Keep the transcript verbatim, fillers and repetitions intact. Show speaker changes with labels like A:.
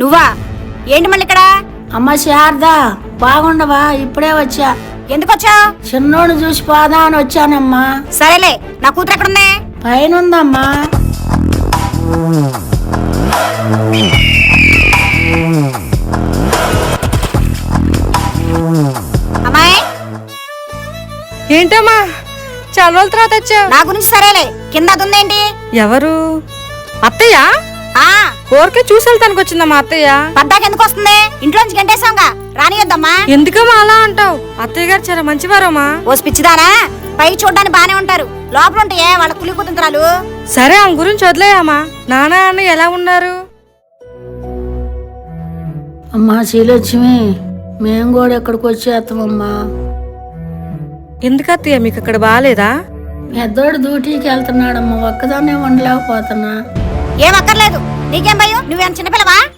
A: నువ్వా? ఏంటి మళ్ళీ ఇక్కడ?
B: అమ్మ శారదా, బాగుండవా? ఇప్పుడే వచ్చా.
A: ఎందుకు వచ్చా?
B: చిన్నోడు చూసి పోదా అని వచ్చానమ్మా.
A: సరేలే, నా కూతురు ఎక్కడుంది?
B: పైన ఉందమ్మా.
A: అమ్మాయి,
C: ఏంటమ్మా చాలా రోజుల తర్వాత వచ్చావు?
A: నా గురించి సరేలే, కింద అది ఉందేంటి?
C: ఎవరు? అత్తయ్య?
A: ఆ
C: ఊరికే చూసి వెళ్తానికి వచ్చిందమ్మా అత్తయ్య.
A: పద్దాకి ఎందుకు వస్తుంది? ఇంట్లోంచి గంటేసాంగా, రానియొద్దమ్మా.
C: ఎందుకమ్మా అలా అంటావు? అత్తయ్య గారు చాలా మంచివారమ్మా.
A: ఓ పిచ్చిదానా, పైకి చూడ్డానికి బానే ఉంటారు, లోపల ఉంటాయే వాళ్ళ కులి కుతంత్రాలు.
C: సరే ఆమె గురించి వదిలేయమ్మా. నాన్న అన్న ఎలా ఉన్నారు?
B: అమ్మా శ్రీలక్ష్మి, మేము కూడా ఎక్కడికి వచ్చేస్తామమ్మా.
C: ఎందుకు అత్తయ్య, మీకు అక్కడ బాగాలేదా?
B: పెద్దోడు డ్యూటీకి వెళ్తున్నాడమ్మా, ఒక్కదాన్నే ఉండలేకపోతున్నా.
A: ఏం అక్కర్లేదు, నీకేం భయం? నువ్వేం చిన్నపిల్లవా?